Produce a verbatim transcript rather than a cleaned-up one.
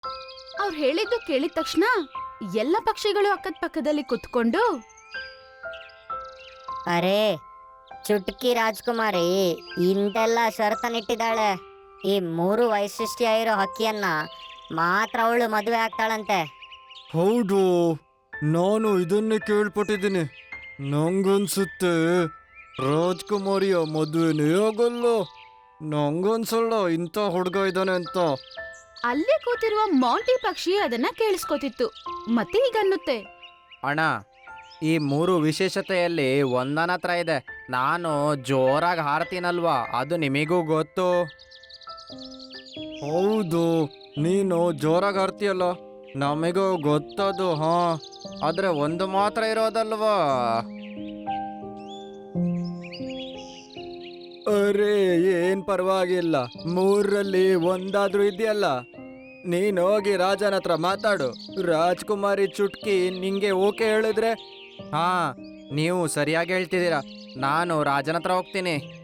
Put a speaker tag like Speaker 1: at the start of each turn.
Speaker 1: ಅವ್ರು ಹೇಳಿದ್ದು ಕೇಳಿದ ತಕ್ಷಣ ಎಲ್ಲ ಪಕ್ಷಿಗಳು ಅಕ್ಕದ ಪಕ್ಕದಲ್ಲಿ ಕುತ್ಕೊಂಡು,
Speaker 2: ಅರೆ ಚುಟ್ಕಿ ರಾಜ್ಕುಮಾರಿ ಇಂತೆಲ್ಲ ಷರತ್ತನ್ನಿಟ್ಟಿದ್ದಾಳೆ. ಈ ಮೂರು ವೈಶಿಷ್ಟ್ಯ ಇರೋ ಹಕ್ಕಿಯನ್ನ ಮಾತ್ರ ಅವಳು ಮದುವೆ ಆಗ್ತಾಳಂತೆ.
Speaker 3: ಹೌದು, ನಾನು ಇದನ್ನೇ ಕೇಳ್ಪಟ್ಟಿದ್ದೀನಿ. ನಂಗನ್ಸುತ್ತೆ ರಾಜ್ಕುಮಾರಿಯ ಮದುವೆನೇ ಆಗಲ್ಲ. ನಂಗನ್ಸಲ್ಲ ಇಂಥ ಹುಡುಗ ಇದ್ದಾನೆ ಅಂತ.
Speaker 1: ಅಲ್ಲೇ ಕೂತಿರುವ ಮಾಂಟಿ ಪಕ್ಷಿ ಅದನ್ನ ಕೇಳಿಸ್ಕೊತಿತ್ತು ಮತ್ತೆ ಹೀಗನ್ನುತ್ತೆ,
Speaker 4: ಅಣ್ಣ, ಈ ಮೂರು ವಿಶೇಷತೆಯಲ್ಲಿ ಒಂದನ ಹತ್ರ ಇದೆ. ನಾನು ಜೋರಾಗಿ ಹಾರ್ತೀನಲ್ವಾ, ಅದು ನಿಮಗೂ ಗೊತ್ತು.
Speaker 3: ಹೌದು, ನೀನು ಜೋರಾಗಿ ಹಾರ್ತೀಯಲ್ಲ, ನಮಗೂ ಗೊತ್ತದು. ಹಾ,
Speaker 4: ಆದ್ರೆ ಒಂದು ಮಾತ್ರ ಇರೋದಲ್ವಾ.
Speaker 3: ಅರೆ ಏನ್ ಪರವಾಗಿಲ್ಲ, ಮೂರಲ್ಲಿ ಒಂದಾದ್ರೂ ಇದೆಯಲ್ಲ. ನೀನ್ ಹೋಗಿ ರಾಜನ ಹತ್ರ ಮಾತಾಡು. ರಾಜ್ಕುಮಾರಿ ಚುಟ್ಕಿ ನಿಂಗೆ ಓಕೆ ಹೇಳಿದ್ರೆ.
Speaker 4: ಹಾ, ನೀವು ಸರಿಯಾಗಿ ಹೇಳ್ತಿದ್ದೀರಾ. ನಾನು ರಾಜನ ಹತ್ರ ಹೋಗ್ತೀನಿ.